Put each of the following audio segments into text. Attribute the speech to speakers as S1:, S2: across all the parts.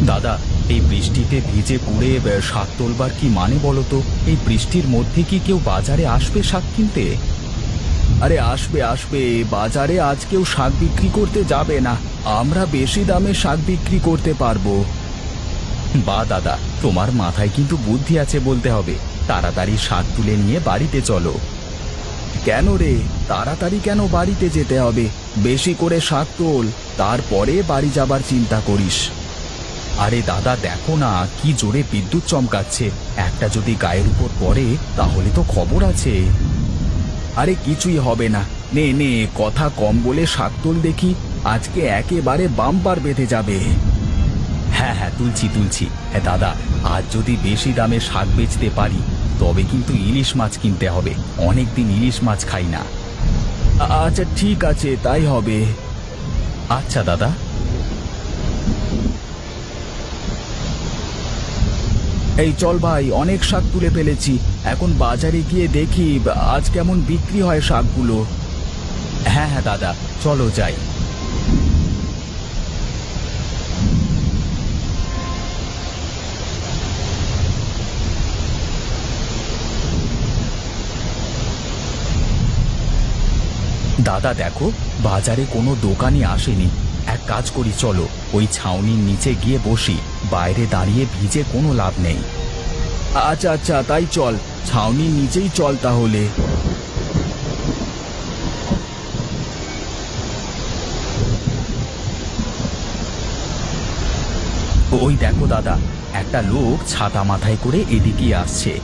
S1: দাদা, এই বৃষ্টিতে ভিজে পুড়ে শাক তোলবার কি মানে বলো তো? এই বৃষ্টির মধ্যে কি কেউ বাজারে আসবে শাক কিনতে? আরে আসবে আসবে, বাজারে আজ কেউ শাক বিক্রি করতে যাবে না। আমরা বেশি দামে শাক বিক্রি করতে পারবো। বা দাদা, তোমার মাথায় কিন্তু বুদ্ধি আছে বলতে হবে। তাড়াতাড়ি শাক তুলে নিয়ে বাড়িতে চলো। কেন রে, তাড়াতাড়ি কেন বাড়িতে যেতে হবে? বেশি করে শাক তোল, তারপরে বাড়ি যাবার চিন্তা করিস। আরে দাদা দেখো না, কি জোরে বিদ্যুৎ চমকাচ্ছে। একটা যদি গায়ের উপর পড়ে তাহলে তো খবর আছে। আরে কিছুই হবে না, নে নে, কথা কম বলে শাক তোল দেখি। আজকে একেবারে বাম্পার বেঁধে যাবে। হ্যাঁ হ্যাঁ, তুলছি তুলছি। হ্যাঁ দাদা, আজ যদি বেশি দামে শাক বেচতে পারি তবে কিন্তু ইলিশ মাছ কিনতে হবে। অনেকদিন ইলিশ মাছ খাই না। আচ্ছা ঠিক আছে, তাই হবে। আচ্ছা দাদা। এই চল ভাই, অনেক শাক তুলে ফেলেছি। এখন বাজারে গিয়ে দেখি আজ কেমন বিক্রি হয় শাকগুলো। হ্যাঁ হ্যাঁ দাদা, চলো যাই। দাদা দেখো, বাজারে কোনো দোকানই আসেনি। এক কাজ করি, চলো ওই ছাউনির নিচে গিয়ে বসি। বাইরে দাঁড়িয়ে ভিজে কোনো লাভ নেই। আচ্ছা আচ্ছা, তাই চল, ছাউনির নিচেই চল তাহলে। ওই দেখো দাদা, একটা লোক ছাতা মাথায় করে এদিকে আসছে।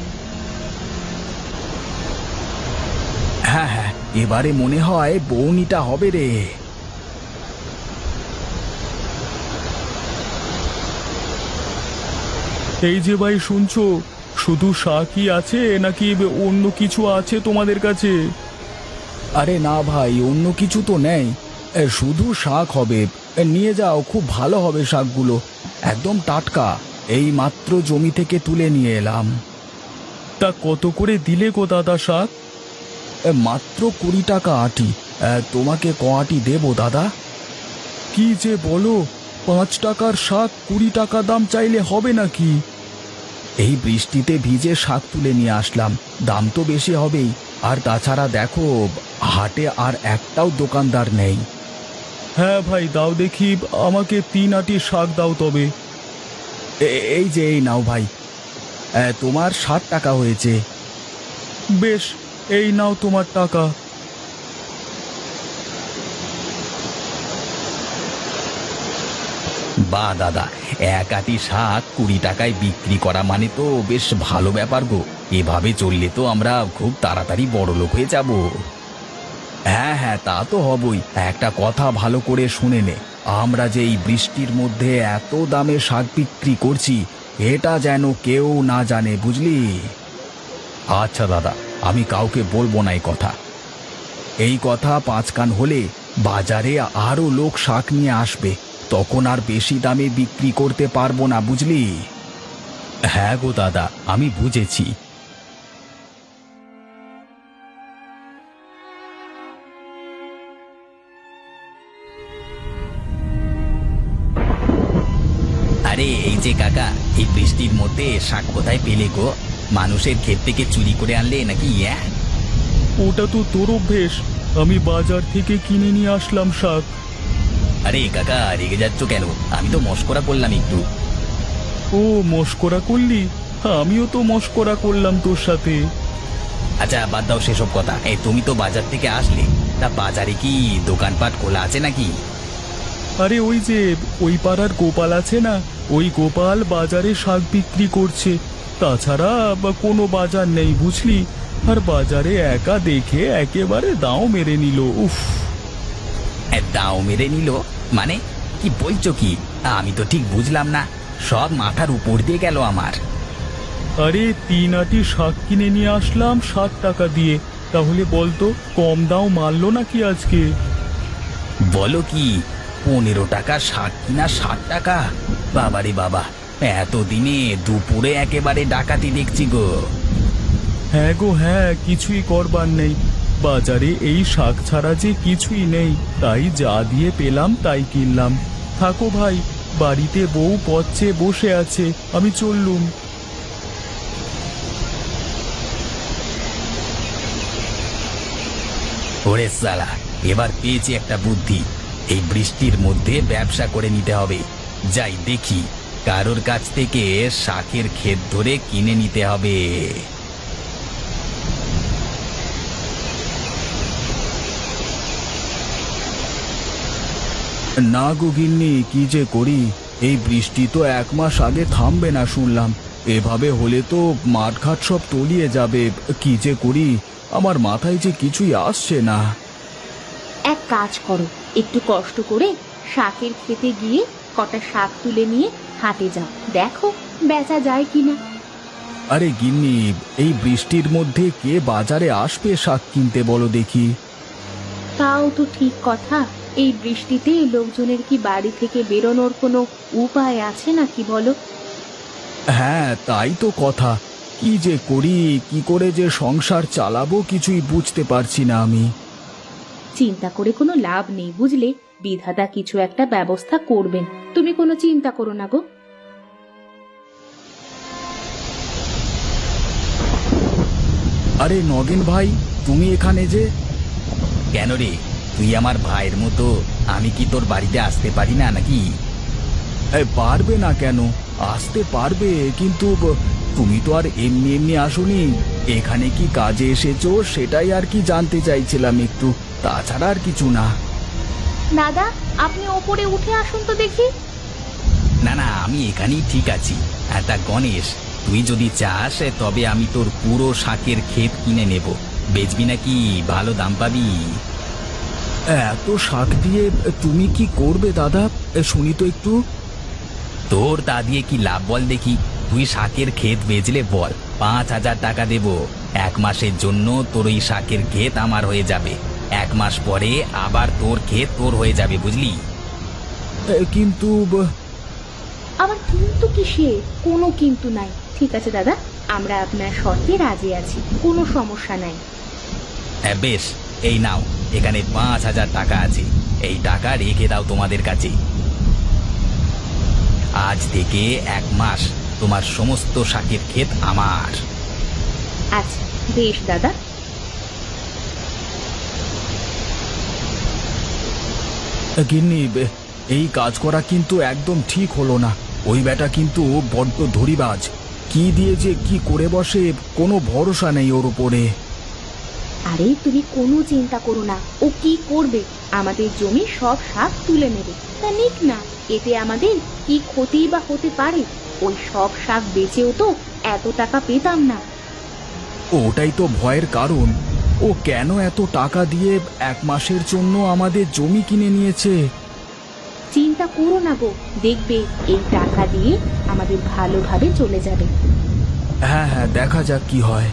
S1: হ্যাঁ হ্যাঁ, এবারে মনে হয় বউনিটা হবে রে।
S2: এই যে ভাই, শুনছো? শুধু শাকই আছে নাকি অন্য কিছু আছে তোমাদের কাছে?
S1: আরে না ভাই, অন্য কিছু তো নেই। শুধু শাক হবে। নিয়ে যাও, খুব ভালো হবে শাকগুলো, একদম টাটকা। এই মাত্র জমি থেকে তুলে নিয়ে এলাম।
S2: তা কত করে দিলে গো দাদা শাক?
S1: মাত্র 20 টাকা আটি। তোমাকে ক আটি দেবো দাদা?
S2: কি যে বলো, 5 টাকার শাক 20 টাকা দাম চাইলে হবে নাকি?
S1: এই বৃষ্টিতে ভিজে শাক তুলে নিয়ে আসলাম, দাম তো বেশি হবেই। আর তাছাড়া দেখো, হাটে আর একটাও দোকানদার নেই।
S2: হ্যাঁ ভাই, দাও দেখি, আমাকে 3 আটি শাক দাও তবে।
S1: এই যে, এই নাও ভাই, তোমার 60 টাকা হয়েছে।
S2: বেশ, এই নাও তোমার টাকা।
S1: বা দাদা, এক আটি শাক 20 টাকায় বিক্রি করা মানে তো বেশ ভালো ব্যাপার গো। এভাবে চললে তো আমরা খুব তাড়াতাড়ি বড়লোক হয়ে যাব। হ্যাঁ হ্যাঁ, তা তো হবই। একটা কথা ভালো করে শুনে নে, আমরা যে এই বৃষ্টির মধ্যে এত দামে শাক বিক্রি করছি, এটা যেন কেউ না জানে, বুঝলি? আচ্ছা দাদা, আমি কাউকে বলবো না এই কথা। এই কথা 5 কান হলে বাজারে আরো লোক শাক নিয়ে আসবে, তখন আর বেশি দামে বিক্রি করতে পারবো না, বুঝলি? হ্যাঁ গো দাদা, আমি বুঝেছি। আরে এই যে কাকা, এই বৃষ্টির মধ্যে শাক কোথায় পেলে গো? মানুষের ক্ষেত থেকে চুরি করে আনলে নাকি?
S2: ওটা তো তোর অভ্যেস, আমি বাজার থেকে কিনে নিয়ে আসলাম শাক।
S1: আরে কাকা, রেগে যাচ্ছ কেন? আমি তো মশকরা করলাম একটু।
S2: ও মশকরা করলি? আমিও তো মশকরা করলাম তোর সাথে।
S1: আচ্ছা বাদ দাও সেসব কথা। এই তুমি তো বাজার থেকে আসলে, তা বাজারে কি দোকানপাট খোলা আছে নাকি?
S2: আরে ওই যে ওই পাড়ার গোপাল আছে না, ওই গোপাল বাজারে শাক বিক্রি করছে। তাছাড়া কোনো বাজার নেই, বুঝলি? আর বাজারে একা দেখে একেবারে দাও মেরে নিল। উফ!
S1: দাও মেরে নিল মানে? কি বলছো কি? আমি তো ঠিক বুঝলাম না, সব মাথার উপর দিয়ে গেল আমার।
S2: আরে 3 আটি শাক কিনে নিয়ে আসলাম 60 টাকা দিয়ে, তাহলে বলতো কম দাও মারলো নাকি আজকে?
S1: বলো কি, 15 টাকা শাক কিনা 60 টাকা? বাবারে বাবা, এতদিনে দুপুরে একেবারে ডাকাতি দেখছি গো।
S2: হ্যাঁ গো হ্যাঁ, কিছুই করবার নেই। বাজারে এই শাক ছাড়া যে কিছুই নেই, তাই যা দিয়ে পেলাম তাই কিনলাম। থাকো ভাই, বাড়িতে বউ পচে বসে আছে, আমি চললুম।
S1: ওরে সালা, এবার পেয়েছি একটা বুদ্ধি। এই বৃষ্টির মধ্যে ব্যবসা করে নিতে হবে। যাই দেখি, কারোর কাছ থেকে শাকের ক্ষেত ধরে কিনে নিতে হবে।
S2: না গো গিন্নি, কি যে করি, এই বৃষ্টি তো 1 মাস আগে থামবে না শুনলাম। এভাবে হলে তো মাঠঘাট সব তলিয়ে যাবে। কি যে করি, আমার মাথায় যে কিছুই আসছে না।
S3: এক কাজ করো, একটু কষ্ট করে শাকের খেতে গিয়ে কটা শাক তুলে নিয়ে হাটে যাও, দেখো বেচা যায় কিনা।
S2: আরে গিন্নি, এই বৃষ্টির মধ্যে কে বাজারে আসবে শাক কিনতে বলো দেখি?
S3: তাও তো ঠিক কথা, এই বৃষ্টিতে লোকজনের কি বাড়ি থেকে বেরোনোর কোনো উপায় আছে নাকি বলো?
S2: হ্যাঁ, তাই তো কথা। কি যে করি, কি করে যে সংসার চালাবো কিছুই বুঝতে পারছি না আমি।
S3: চিন্তা করে কোনো লাভ নেই বুঝলে, বিধাতা কিছু একটা ব্যবস্থা করবেন, তুমি কোনো চিন্তা করো না গো।
S2: আরে নগেন ভাই, তুমি এখানে যে?
S1: কেন রে, তুই আমার ভাইয়ের মতো, আমি কি তোর বাড়িতে আসতে পারি না নাকি?
S2: পারবে না কেন? আসতে পারবে, কিন্তু তুমি তো আর এমনি এমনি আসোনি। এখানে কি কাজে এসেছো সেটাই আর কি জানতে চাইছিলাম একটু, তাছাড়া আর কিছু না।
S3: দাদা, আপনি ওপরে উঠে আসুন তো দেখি।
S1: না না, আমি এখানেই ঠিক আছি। একটা গণেশ, তুই যদি চাস তবে আমি তোর পুরো শাকের ক্ষেত কিনে নেব। বেচবি নাকি? ভালো দাম পাবি।
S2: এত শাক দিয়ে তুমি কি করবে দাদা, শুনি তো একটু।
S1: তোর তা দিয়ে কি লাভ বল দেখি? তুই শাকের ক্ষেত বেচলে বল, 5,000 টাকা দেব। 1 মাসের জন্য তোর ওই শাকের ক্ষেত আমার হয়ে যাবে। 1 মাস পরে আবার তোর ক্ষেত তোর হয়ে যাবে, বুঝলি?
S2: কিন্তু
S3: আবার কিন্তু কিসে? কোনো কিন্তু নাই। ঠিক আছে দাদা, আমরা আপনার শর্তে রাজি আছি, কোনো সমস্যা নাই।
S1: হ্যাঁ বেশ, এই নাও, এখানে 5,000 টাকা আছে। এই টাকা রেখে দাও তোমাদের কাছে। আজ থেকে 1 মাস তোমার সমস্ত শাকের ক্ষেত আমার।
S3: আচ্ছা বেশ দাদা।
S2: গিন্নি, এই কাজ করা কিন্তু একদম ঠিক হলো না। ওই বেটা কিন্তু বড্ড ধরিবাজ। কি দিয়ে যে কি করে বসে, কোনো ভরসা নেই ওর উপরে।
S3: আরে তুমি কোনো চিন্তা করো না, ও কি করবে? আমাদের জমি সব শাক তুলে নেবে, তা নিক না, এতে আমাদের কি ক্ষতি বা হতে পারে? ওই সব শাক বেচেও তো এত টাকা পেতাম না।
S2: ওটাই তো ভয়ের কারণ। ও কেন এত টাকা দিয়ে 1 মাসের জন্য আমাদের জমি কিনে নিয়েছে?
S3: চিন্তা করো না গো, দেখবে এই টাকা দিয়ে আমাদের ভালোভাবে চলে যাবে।
S2: হ্যাঁ হ্যাঁ, দেখা যাক কি হয়।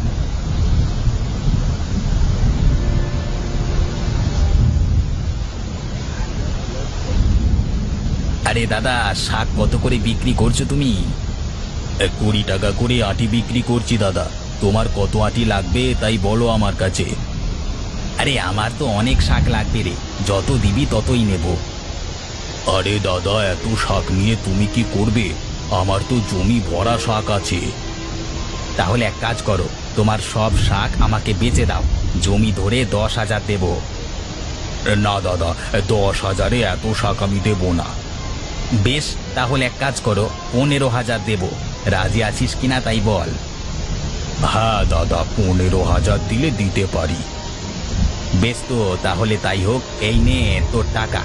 S1: আরে দাদা, শাক কত করে বিক্রি করছো তুমি?
S2: 20 টাকা করে আটি বিক্রি করছি দাদা। তোমার কত আটি লাগবে তাই বলো আমার কাছে।
S1: আরে আমার তো অনেক শাক লাগবে রে, যত দিবি ততই নেব।
S2: আরে দাদা, এত শাক নিয়ে তুমি কি করবে? আমার তো জমি ভরা শাক আছে।
S1: তাহলে এক কাজ করো, তোমার সব শাক আমাকে বেচে দাও, জমি ধরে 10,000 দেব।
S2: না দাদা, 10,000-এ এত শাক আমি দেব না।
S1: বেশ, তাহলে এক কাজ করো, 15,000 দেব। রাজি আছিস কিনা তাই বল।
S2: হ্যাঁ দাদা, 15,000 দিলে দিতে পারি।
S1: বেশ, তো তাহলে তাই হোক। এই নে তোর টাকা।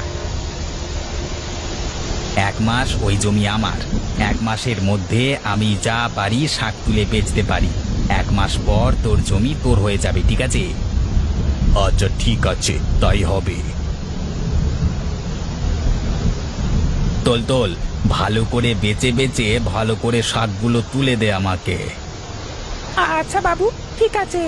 S1: 1 মাস ওই জমি আমার। 1 মাসের মধ্যে আমি যা পারি শাক তুলে বেচতে পারি। 1 মাস পর তোর জমি তোর হয়ে যাবে, ঠিক আছে?
S2: আচ্ছা ঠিক আছে, তাই হবে।
S1: তোল তোল, ভালো করে বেচে বেচে ভালো করে শাকগুলো তুলে দে আমাকে।
S4: আচ্ছা বাবু, ঠিক আছে।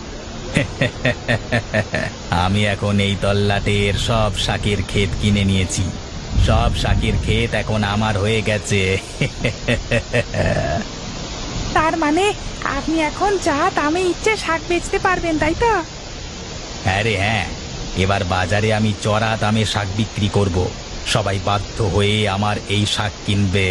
S1: আমি এখন এই তল্লাটের সব শাকের ক্ষেত কিনে নিয়েছি। সব শাকের ক্ষেত এখন আমার হয়ে গেছে।
S4: তার মানে আপনি এখন যা দামে ইচ্ছে শাক বেচতে পারবেন, তাই তো?
S1: হ্যাঁ রে হ্যাঁ, এবার বাজারে আমি চড়া দামে শাক বিক্রি করব। সবাই বাধ্য হয়ে আমার এই শাক কিনবে।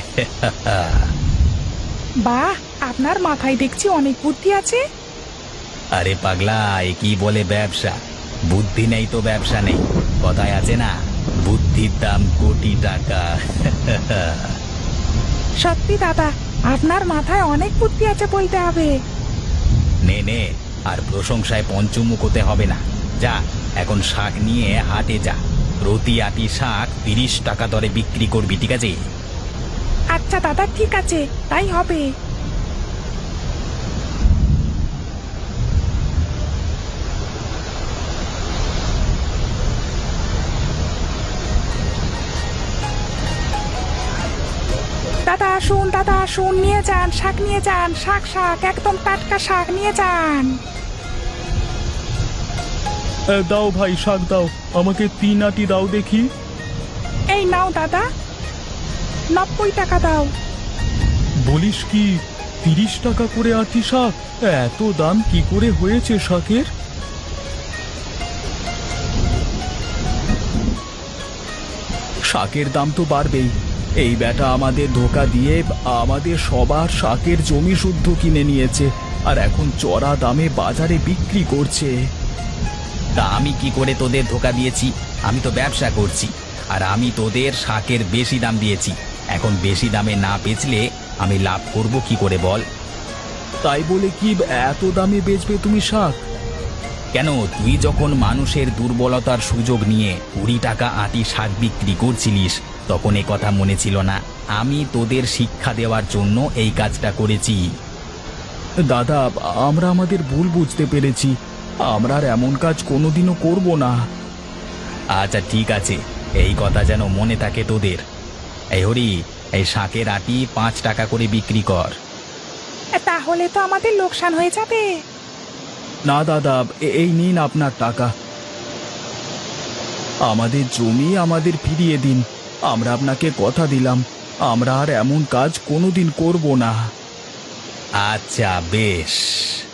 S4: বাহ, আপনার মাথায় দেখছি অনেক বুদ্ধি আছে।
S1: আরে পাগলা, এ কি বলে ব্যবসা? বুদ্ধি নেই তো ব্যবসা নেই। কথায় আছে না, বুদ্ধির দাম কোটি টাকা।
S4: সত্যি দাদা, আপনার মাথায় অনেক বুদ্ধি আছে বলতে হবে।
S1: নে নে, আর প্রশংসায় পঞ্চমুখ হতে হবে না। যা, এখন শাক নিয়ে হাটে যা। প্রতি আটি শাক 30 টাকা দরে বিক্রি করবি, ঠিক আছে?
S4: আচ্ছা দাদা, ঠিক আছে, তাই হবে। দাদা আসুন, দাদা আসুন, নিয়ে যান শাক, নিয়ে যান শাক, শাক একদম টাটকা শাক নিয়ে যান।
S2: দাও ভাই, শাক দাও, আমাকে 3 আটি দাও দেখি।
S4: এই নাও দাদা, 90 টাকা দাও।
S2: বলিস কি, 30 টাকা করে আটি শাক? এত দাম কি করে হয়েছে শাকের?
S1: শাকের দাম তো বাড়বেই। এই বেটা আমাদের ধোকা দিয়ে আমাদের সবার শাকের জমি শুদ্ধ কিনে নিয়েছে, আর এখন চড়া দামে বাজারে বিক্রি করছে। তা আমি কি করে তোদের ধোকা দিয়েছি? আমি তো ব্যবসা করছি, আর আমি তোদের শাকের বেশি দাম দিয়েছি। এখন বেশি দামে না বেচলে আমি লাভ করব কি করে বল? তাই বলে কি এত দামে বেচবে তুমি শাক? কেন, তুই যখন মানুষের দুর্বলতার সুযোগ নিয়ে 20 টাকা আটি শাক বিক্রি করছিলিস, তখন এ কথা মনে ছিল না? আমি তোদের শিক্ষা দেওয়ার জন্য এই কাজটা করেছি।
S2: দাদা, আমরা আমাদের ভুল বুঝতে পেরেছি, আমরা আর এমন কাজ কোনোদিনও করব না।
S1: আচ্ছা ঠিক আছে, এই কথা যেন মনে থাকে তোদের। এই হরি, এই শাকের আটি 5 টাকা করে বিক্রি কর।
S4: তাহলে তো আমাদের লোকসান হয়ে যাবে।
S2: না দাদা, এই নিন আপনার টাকা। আমাদের জমি আমাদের ফিরিয়ে দিন। আমরা আপনাকে কথা দিলাম, আমরা আর এমন কাজ কোনোদিন করব না।
S1: আচ্ছা বেশ।